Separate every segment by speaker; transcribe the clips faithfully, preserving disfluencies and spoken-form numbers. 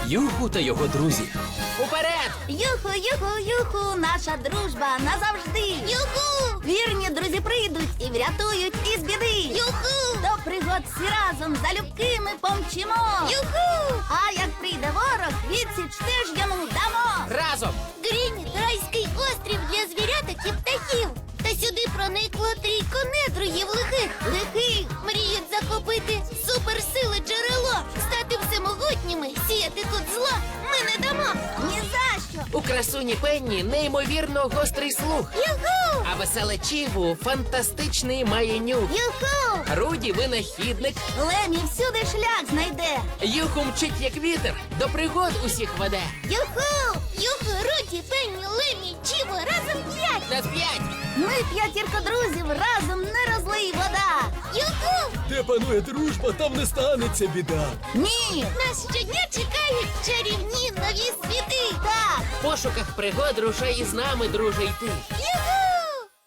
Speaker 1: Юху та його друзі.
Speaker 2: Уперед!
Speaker 3: Юху, юху, юху, наша дружба назавжди. Юху! Вірні друзі прийдуть і врятують із біди. Юху! До пригод всі разом залюбки ми помчимо. Юху! А як прийде ворог, відсіч теж йому дамо.
Speaker 2: Разом!
Speaker 3: Грініт – райський острів для звіряток і птахів. Та сюди проникло трійко недругів лихих. Лихих мріють захопити суперсили джерело, стати всемогутніми, сіяти тут зло ми не дамо. Ні за що.
Speaker 2: У красуні Пенні неймовірно гострий слух.
Speaker 3: Юху!
Speaker 2: А веселе Чіву фантастичний має нюх.
Speaker 3: Юху!
Speaker 2: Руді винахідник.
Speaker 3: Лемі всюди шлях знайде.
Speaker 2: Юху мчить як вітер, до пригод усіх веде.
Speaker 3: Юху! Юху, Руді, Пенні, Лемі, Чіво, разом п'ять.
Speaker 2: На п'ять!
Speaker 3: Ми п'ятірка друзів, разом не розлий вода. Юху!
Speaker 1: Де панує дружба, там не станеться біда.
Speaker 3: Ні! Нас щодня чекають чарівні нові світи. Так!
Speaker 2: В пошуках пригод рушай із нами, друже, йти.
Speaker 3: Юху!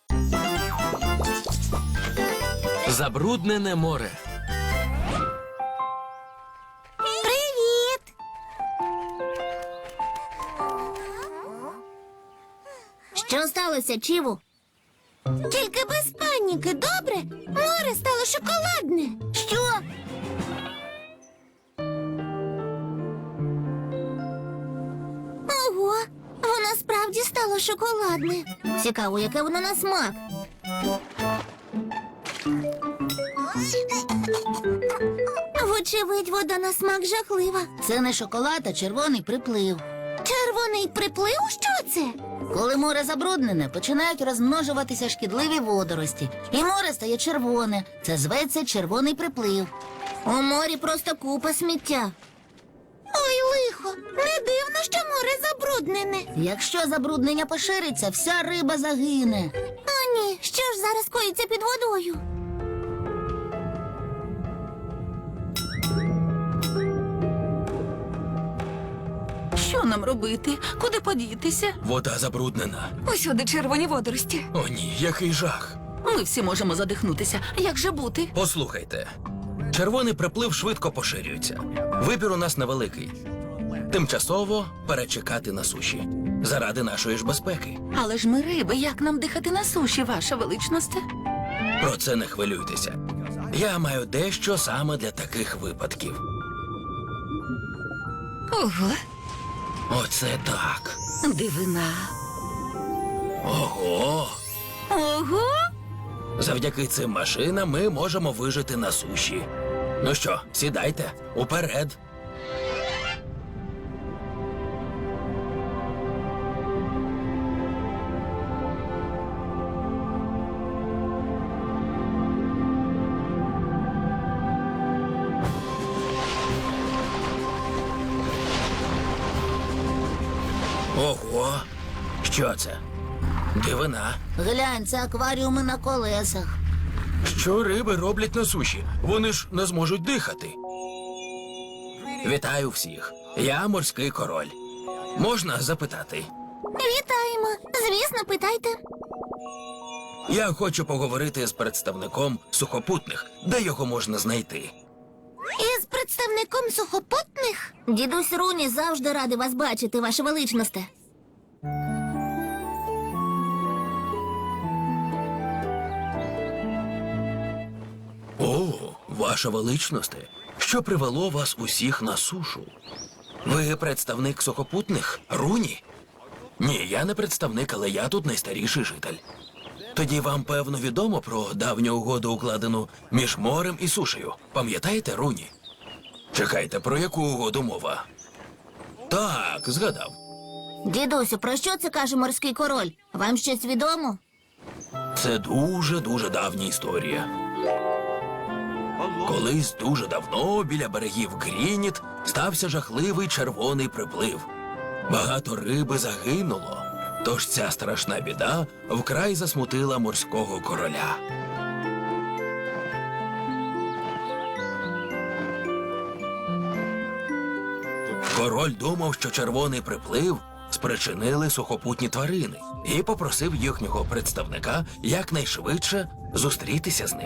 Speaker 1: Забруднене море.
Speaker 3: Привіт! Що сталося, Чіву? Тільки без паніки, добре? Море стало шоколадне. Що? Ого, воно справді стало шоколадне. Цікаво, яке воно на смак. Вочевидь, вода на смак жахлива. Це не шоколад, а червоний приплив. Червоний приплив? Що це? Коли море забруднене, починають розмножуватися шкідливі водорості. І море стає червоне. Це зветься червоний приплив. У морі просто купа сміття. Ой, лихо, не дивно, що море забруднене. Якщо забруднення пошириться, вся риба загине. О, ні, що ж зараз коїться під водою?
Speaker 4: Що нам робити? Куди подітися?
Speaker 1: Вода забруднена.
Speaker 4: Усюди червоні водорості.
Speaker 1: О ні, який жах.
Speaker 4: Ми всі можемо задихнутися. Як же бути?
Speaker 1: Послухайте, червоний приплив швидко поширюється. Вибір у нас невеликий. Тимчасово перечекати на суші. Заради нашої ж безпеки.
Speaker 4: Але ж ми риби, як нам дихати на суші, ваша величність?
Speaker 1: Про це не хвилюйтеся. Я маю дещо саме для таких випадків.
Speaker 4: Ого,
Speaker 1: Оце так.
Speaker 4: дивина.
Speaker 1: Ого!
Speaker 4: Ого!
Speaker 1: Завдяки цим машинам ми можемо вижити на суші. Ну що, сідайте, уперед. Ого! Що це? Дивина.
Speaker 3: Глянь, це акваріуми на колесах.
Speaker 1: Що риби роблять на суші? Вони ж не зможуть дихати. Вітаю всіх. Я морський король. Можна запитати?
Speaker 3: Вітаємо. Звісно, питайте.
Speaker 1: Я хочу поговорити з представником сухопутних. Де його можна знайти?
Speaker 3: Із представником сухопутних? Дідусь Руні завжди радий вас бачити, ваше величність.
Speaker 1: О, ваша величність. Що привело вас усіх на сушу? Ви представник сухопутних? Руні? Ні, я не представник, але я тут найстаріший житель. Тоді вам, певно, відомо про давню угоду, укладену між морем і сушею. Пам'ятаєте, Руні? Чекайте, про яку угоду мова? Так, згадав.
Speaker 3: Дідусю, про що це каже морський король? Вам щось відомо?
Speaker 1: Це дуже-дуже давня історія. Колись дуже давно біля берегів Грініт стався жахливий червоний приплив. Багато риби загинуло, тож ця страшна біда вкрай засмутила морського короля. Король думав, що червоний приплив спричинили сухопутні тварини і попросив їхнього представника якнайшвидше зустрітися з ним.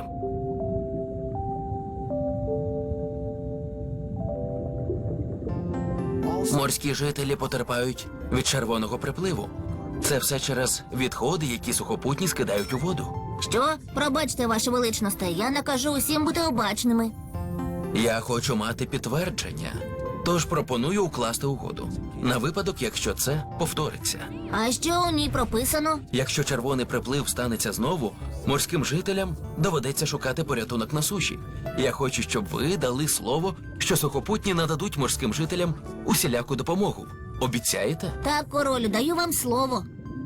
Speaker 1: Морські жителі потерпають від червоного припливу. Це все через відходи, які сухопутні скидають у воду.
Speaker 3: Що? Пробачте, Ваше Величносте, я накажу усім бути обачними.
Speaker 1: Я хочу мати підтвердження, тож пропоную укласти угоду. На випадок, якщо це повториться.
Speaker 3: А що у ній прописано?
Speaker 1: Якщо червоний приплив станеться знову, морським жителям доведеться шукати порятунок на суші. Я хочу, щоб ви дали слово, що сухопутні нададуть морським жителям усіляку допомогу. Обіцяєте?
Speaker 3: Так, королю, даю вам слово.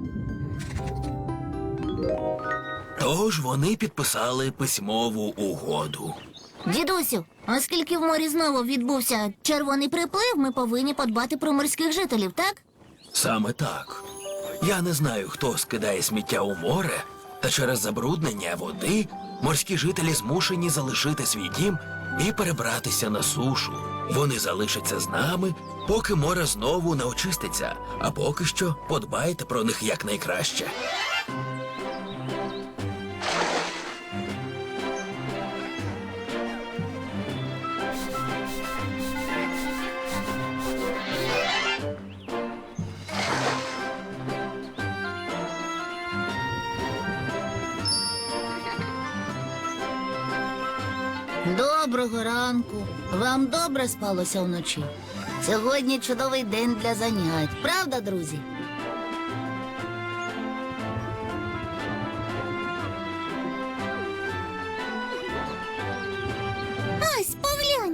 Speaker 1: Тож вони підписали письмову угоду.
Speaker 3: Дідусю, оскільки в морі знову відбувся червоний приплив, ми повинні подбати про морських жителів, так?
Speaker 1: Саме так. Я не знаю, хто скидає сміття у море, та через забруднення води морські жителі змушені залишити свій дім і перебратися на сушу. Вони залишаться з нами, поки море знову не очиститься, а поки що подбайте про них якнайкраще.
Speaker 3: Доброго ранку. Вам добре спалося вночі? Сьогодні чудовий день для занять. Правда, друзі? Ось, поглянь.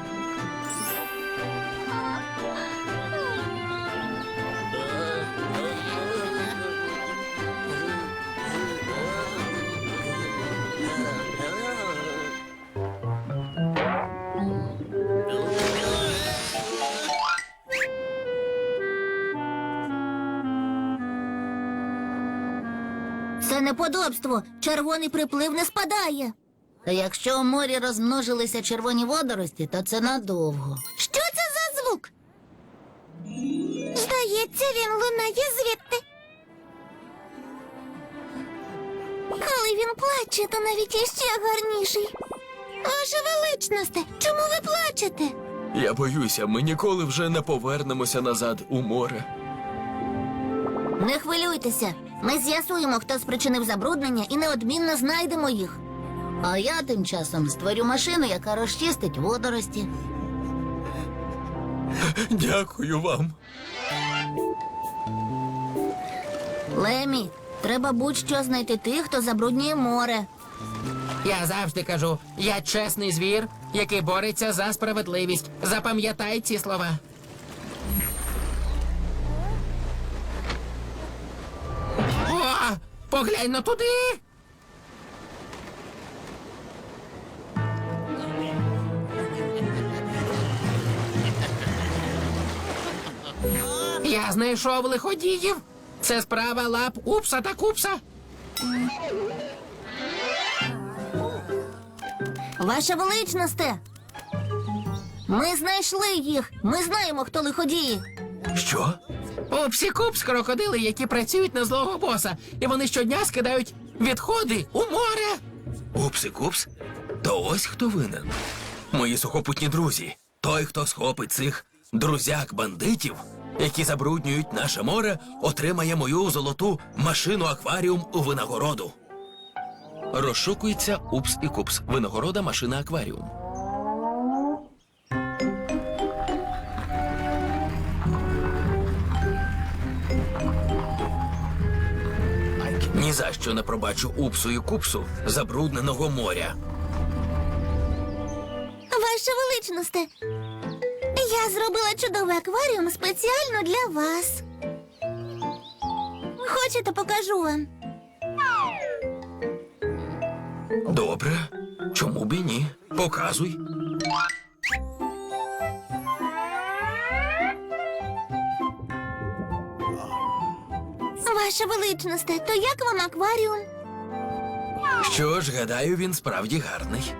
Speaker 3: Це неподобство. Червоний приплив не спадає. Та якщо у морі розмножилися червоні водорості, то це надовго. Що це за звук? Здається, він лунає звідти. Коли він плаче, то навіть іще гарніший. Ваше Величносте, чому ви плачете?
Speaker 1: Я боюся, ми ніколи вже не повернемося назад у море.
Speaker 3: Не хвилюйтеся. Ми з'ясуємо, хто спричинив забруднення, і неодмінно знайдемо їх. А я тим часом створю машину, яка розчистить водорості.
Speaker 1: Дякую вам.
Speaker 3: Лемі, треба будь-що знайти тих, хто забруднює море.
Speaker 2: Я завжди кажу, я чесний звір, який бореться за справедливість. Запам'ятай ці слова. О, поглянь на туди. Я знайшов лиходіїв. Це справа лап Упса та Купса.
Speaker 3: Ваше Величносте! Ми знайшли їх. Ми знаємо, хто лиходії.
Speaker 1: Що?
Speaker 2: Упсі Купс — крокодили, які працюють на злого боса. І вони щодня скидають відходи у море.
Speaker 1: Упси-купс? То ось хто винен. Мої сухопутні друзі. Той, хто схопить цих друзяк-бандитів, які забруднюють наше море, отримає мою золоту машину-акваріум у винагороду. Розшукується Упс і Купс. Винагорода машина-акваріум. Ні за що не пробачу Упсу і Купсу забрудненого моря.
Speaker 3: Ваше Величносте, я зробила чудовий акваріум спеціально для вас. Хочете, покажу вам?
Speaker 1: Добре. Чому б і ні? Показуй.
Speaker 3: Ваше Величносте, то як вам акваріум?
Speaker 1: Що ж, гадаю, він справді гарний.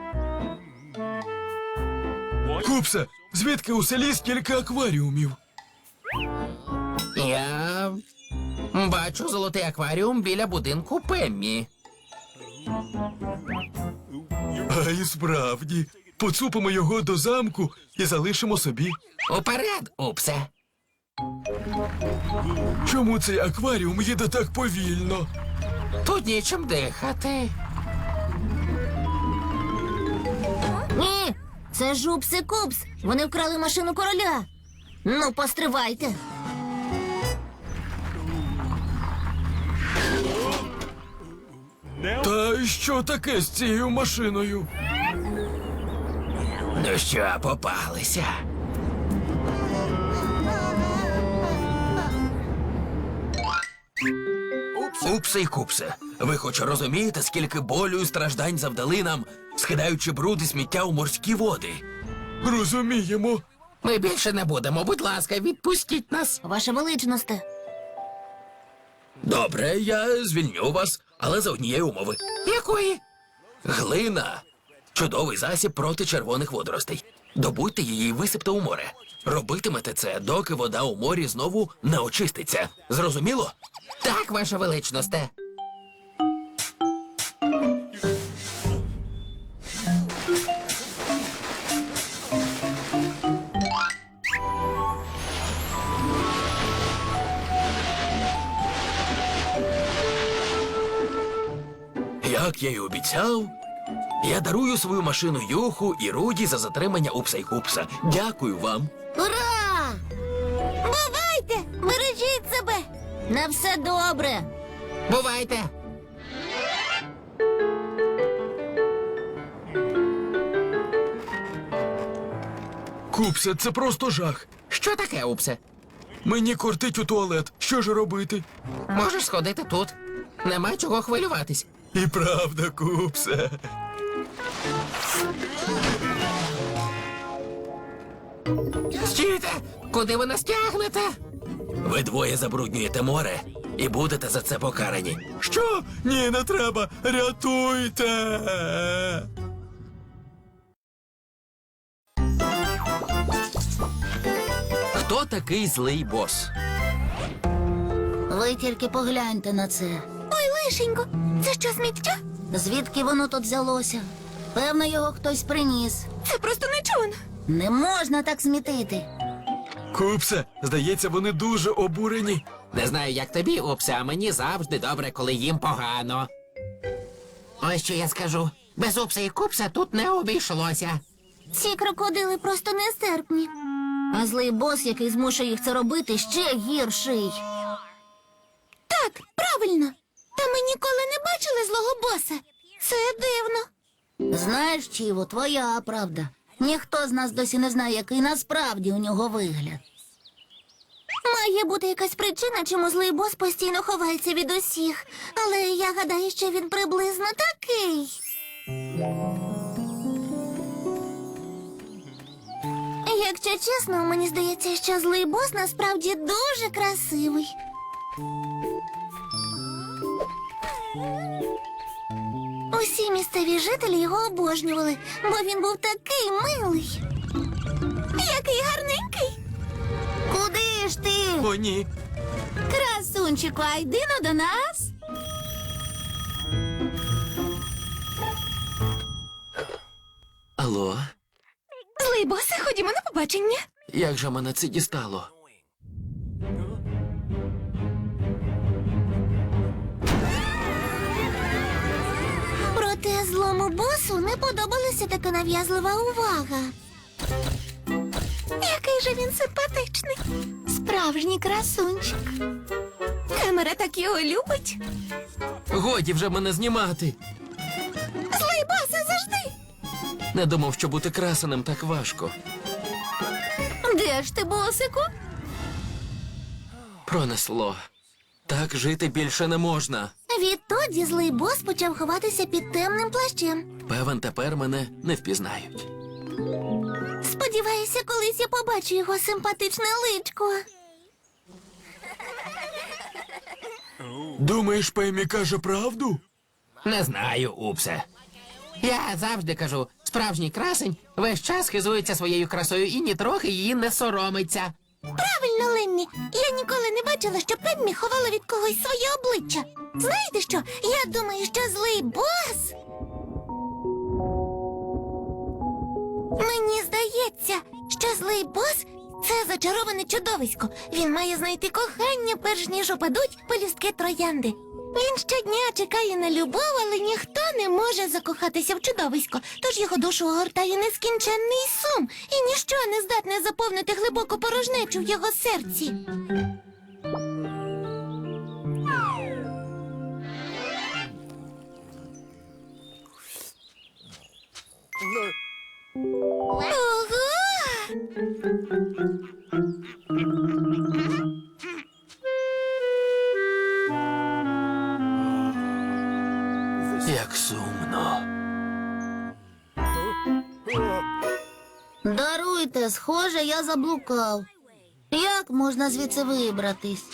Speaker 1: Купсе, звідки у селі стільки акваріумів?
Speaker 2: Я бачу золотий акваріум біля будинку Пеммі.
Speaker 1: А і справді,
Speaker 5: поцупимо його до замку і залишимо собі.
Speaker 2: Уперед, Упсе.
Speaker 5: Чому цей акваріум їде так повільно?
Speaker 2: Тут нічим дихати.
Speaker 3: Ні, це ж Упси-Купс. Вони вкрали машину короля. Ну, постривайте.
Speaker 5: Та що таке з цією машиною?
Speaker 1: Ну що, попалися? Упсе й купсе, ви хоч розумієте, скільки болю і страждань завдали нам, скидаючи бруд і сміття у морські води?
Speaker 5: Розуміємо.
Speaker 2: Ми більше не будемо. Будь ласка, відпустіть нас.
Speaker 3: Ваша величносте.
Speaker 1: Добре, я звільню вас, але за однієї умови.
Speaker 2: Якої?
Speaker 1: Глина – чудовий засіб проти червоних водоростей. Добудьте її і висипте у море. Робитимете це, доки вода у морі знову не очиститься. Зрозуміло?
Speaker 2: Так, ваша величносте.
Speaker 1: Як я й обіцяв, я дарую свою машину Юху і Руді за затримання Упса й Купса. Дякую вам.
Speaker 3: Ура! Бувайте! Бережіть себе! На все добре!
Speaker 2: Бувайте.
Speaker 5: Купсе, це просто жах.
Speaker 2: Що таке, Упсе?
Speaker 5: Мені кортить у туалет. Що ж робити?
Speaker 2: Можеш сходити тут. Нема чого хвилюватись.
Speaker 5: І правда, Купсе.
Speaker 2: Стійте! Куди ви нас тягнете?
Speaker 1: Ви двоє забруднюєте море і будете за це покарані.
Speaker 5: Що? Ні, не треба. Рятуйте.
Speaker 1: Хто такий злий бос?
Speaker 3: Ви тільки погляньте на це.
Speaker 6: Ой, лишенько, це що, сміття?
Speaker 3: Звідки воно тут взялося? Певно, його хтось приніс.
Speaker 6: Це просто нечувано.
Speaker 3: Не можна так смітити.
Speaker 5: Купсе, здається, вони дуже обурені.
Speaker 2: Не знаю, як тобі, Упсе, а мені завжди добре, коли їм погано. Ось що я скажу. Без Упса і Купса тут не обійшлося.
Speaker 3: Ці крокодили просто нестерпні. А злий бос, який змушує їх це робити, ще гірший.
Speaker 6: Так, правильно. Та ми ніколи не бачили злого боса. Це дивно.
Speaker 3: Знаєш, Чіво, твоя правда. Ніхто з нас досі не знає, який насправді у нього вигляд.
Speaker 6: Має бути якась причина, чому злий бос постійно ховається від усіх. Але я гадаю, що він приблизно такий. Якщо чесно, мені здається, що злий бос насправді дуже красивий. Усі місцеві жителі його обожнювали, бо він був такий милий. Який гарненький.
Speaker 3: Куди ж ти?
Speaker 5: О, ні.
Speaker 3: Красунчику, а йди но до нас.
Speaker 1: Алло,
Speaker 6: Злий босе, ходімо на побачення.
Speaker 1: як же мене це дістало?
Speaker 6: Проте злому босу не подобалася така нав'язлива увага. Який же він симпатичний. Справжній красунчик. Камера так його любить.
Speaker 1: Годі вже мене знімати.
Speaker 6: Злий босе, завжди.
Speaker 1: Не думав, що бути красеним так важко.
Speaker 3: Де ж ти, босику?
Speaker 1: Пронесло. Так жити більше не можна.
Speaker 6: Відтоді злий бос почав ховатися під темним плащем.
Speaker 1: Певен, тепер мене не впізнають.
Speaker 6: Сподіваюся, колись я побачу його симпатичне личко.
Speaker 5: Думаєш, Пемі каже правду?
Speaker 2: Не знаю, Упсе. Я завжди кажу, справжній красень весь час хизується своєю красою і нітрохи її не соромиться.
Speaker 6: Правильно, Ленні. Я ніколи не бачила, що Пеммі ховала від когось своє обличчя. Знаєте що? Я думаю, що злий бос здається, що злий бос – це зачароване чудовисько. Він має знайти кохання, перш ніж опадуть пелюстки троянди. Він щодня чекає на любов, але ніхто не може закохатися в чудовисько, тож його душу огортає нескінченний сум, і ніщо не здатне заповнити глибоку порожнечу в його серці. Ого!
Speaker 1: Як сумно.
Speaker 3: Даруйте, схоже, я заблукав. Як можна звідси вибратись?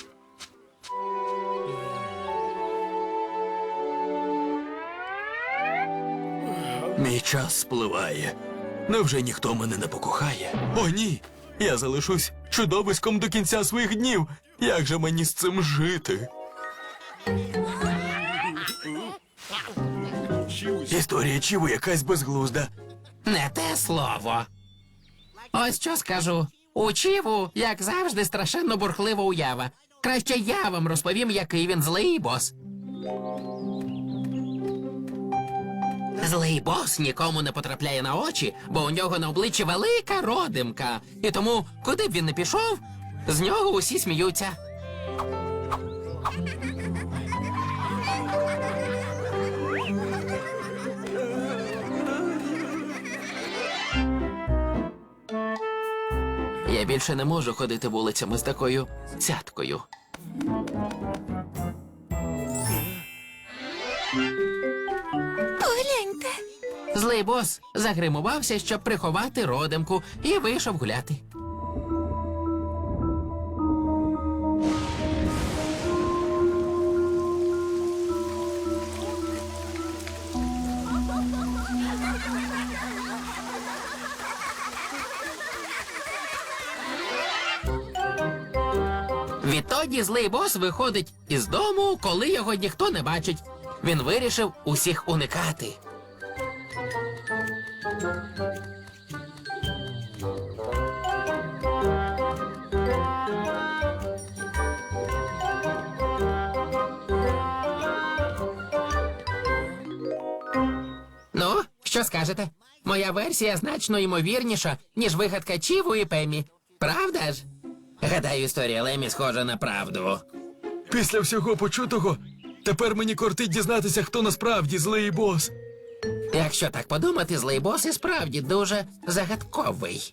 Speaker 1: Мій час спливає. Невже ніхто мене не покохає? О, ні! Я залишусь чудовиськом до кінця своїх днів. Як же мені з цим жити? Історія Чіву якась безглузда.
Speaker 2: Не те слово. Ось що скажу. У Чіву, як завжди, страшенно бурхлива уява. Краще я вам розповім, який він злий бос. Злий бос нікому не потрапляє на очі, бо у нього на обличчі велика родимка. І тому, куди б він не пішов, з нього усі сміються. Я більше не можу ходити вулицями з такою цяткою.
Speaker 6: Погляньте.
Speaker 2: Злий бос загримувався, щоб приховати родимку, і вийшов гуляти. Відтоді злий бос виходить із дому, коли його ніхто не бачить. Він вирішив усіх уникати. Ну, що скажете? Моя версія значно ймовірніша, ніж вигадка Чіву і Пеммі. Правда ж? Гадаю, історія Лемі схожа на правду.
Speaker 5: Після всього почутого, тепер мені кортить дізнатися, хто насправді злий бос.
Speaker 2: Якщо так подумати, злий бос і справді дуже загадковий.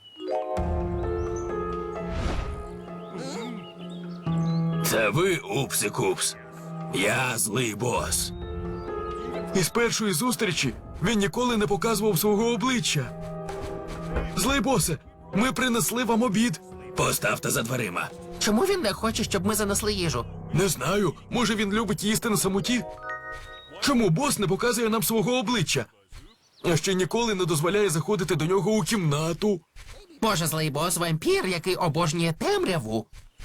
Speaker 1: Це ви, Упси-Купс. Я злий бос.
Speaker 5: Із першої зустрічі він ніколи не показував свого обличчя. Злий босе, ми принесли вам обід.
Speaker 1: Поставте за дверима.
Speaker 2: Чому він не хоче, щоб ми занесли їжу?
Speaker 5: Не знаю, може він любить їсти на самоті? Чому бос не показує нам свого обличчя? А ще ніколи не дозволяє заходити до нього у кімнату.
Speaker 2: Може, злий бос вампір, який обожнює темряву?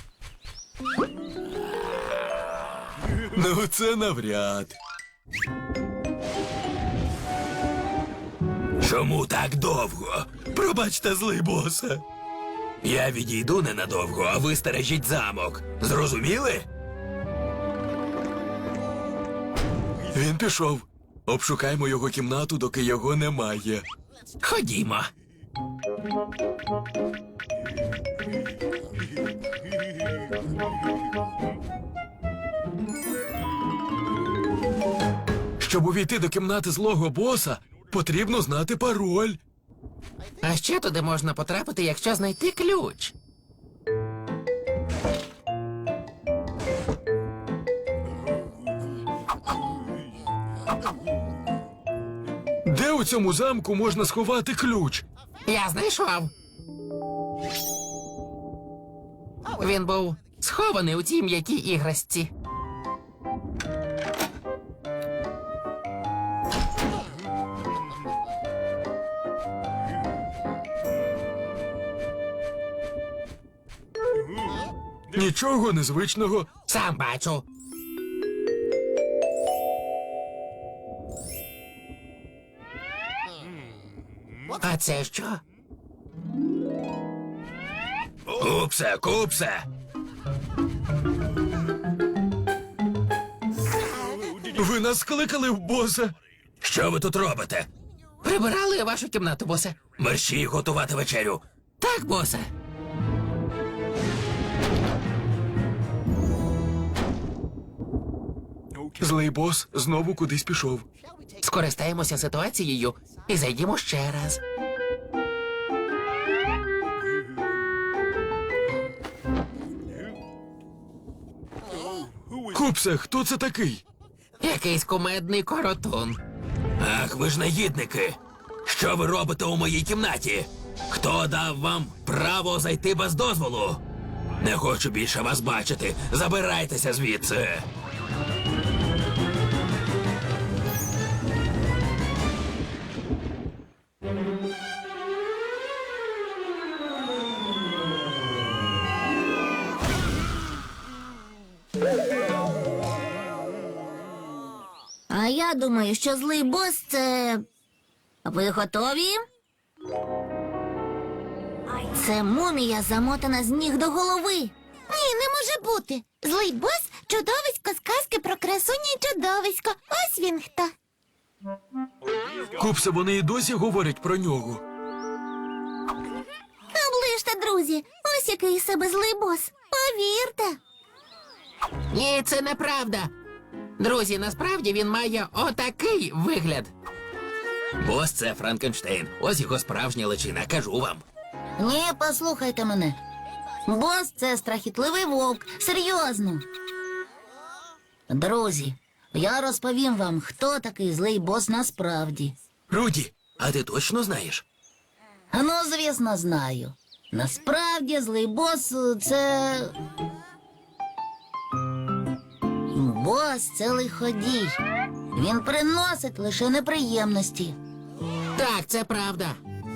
Speaker 5: Ну, це навряд.
Speaker 1: Чому так довго? Пробачте, злий босе. Я відійду ненадовго, а ви стережіть замок. Зрозуміли?
Speaker 5: Він пішов. Обшукаймо його кімнату, доки його немає.
Speaker 2: Ходімо.
Speaker 5: Щоб увійти до кімнати злого боса, потрібно знати пароль.
Speaker 2: А ще туди можна потрапити, якщо знайти ключ.
Speaker 5: Де у цьому замку можна сховати ключ?
Speaker 2: Я знайшов. Він був схований у тій м'якій іграшці.
Speaker 5: Нічого незвичного.
Speaker 2: Сам бачу. А це що?
Speaker 1: Купсе, купсе!
Speaker 5: Ви нас скликали в боса.
Speaker 1: Що ви тут робите?
Speaker 2: Прибирали вашу кімнату, босе.
Speaker 1: Мерщій готувати вечерю.
Speaker 2: Так, босе.
Speaker 5: Злий бос знову кудись пішов.
Speaker 2: Скористаємося ситуацією і зайдімо ще раз.
Speaker 5: Купсе, хто це такий?
Speaker 2: Якийсь кумедний коротун.
Speaker 1: Ах, ви ж негідники! Що ви робите у моїй кімнаті? Хто дав вам право зайти без дозволу? Не хочу більше вас бачити. Забирайтеся звідси.
Speaker 3: А я думаю, що злий бос це. Ви готові? Це мумія замотана з ніг до голови.
Speaker 6: Ні, не може бути. Злий бос – чудовисько з казки про красуню і чудовисько. Ось він хто.
Speaker 5: Купсе, вони і досі говорять про нього.
Speaker 6: Оближте, друзі. Ось який із себе злий бос. Повірте.
Speaker 2: Ні, це неправда. Друзі, насправді він має отакий вигляд.
Speaker 1: Бос це Франкенштейн. Ось його справжня личина, кажу вам.
Speaker 3: Ні, послухайте мене. Бос це страхітливий вовк. Серйозно. Друзі, я розповім вам, хто такий злий бос насправді.
Speaker 1: Руді, а ти точно знаєш?
Speaker 3: Ну, звісно, знаю. Насправді злий бос е, це. Бос це лиходій. Він приносить лише неприємності.
Speaker 2: Так, це правда.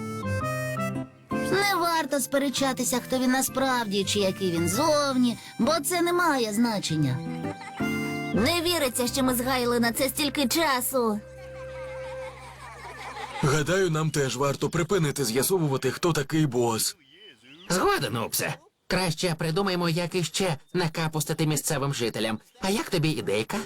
Speaker 3: Не варто сперечатися, хто він насправді чи який він зовні, бо це не має значення.
Speaker 6: Не віриться, що ми згаяли на це стільки часу.
Speaker 5: Гадаю, нам теж варто припинити з'ясовувати, хто такий бос.
Speaker 2: Згоден, Упсе. Краще придумаємо, як іще накапустити місцевим жителям. А як тобі ідейка?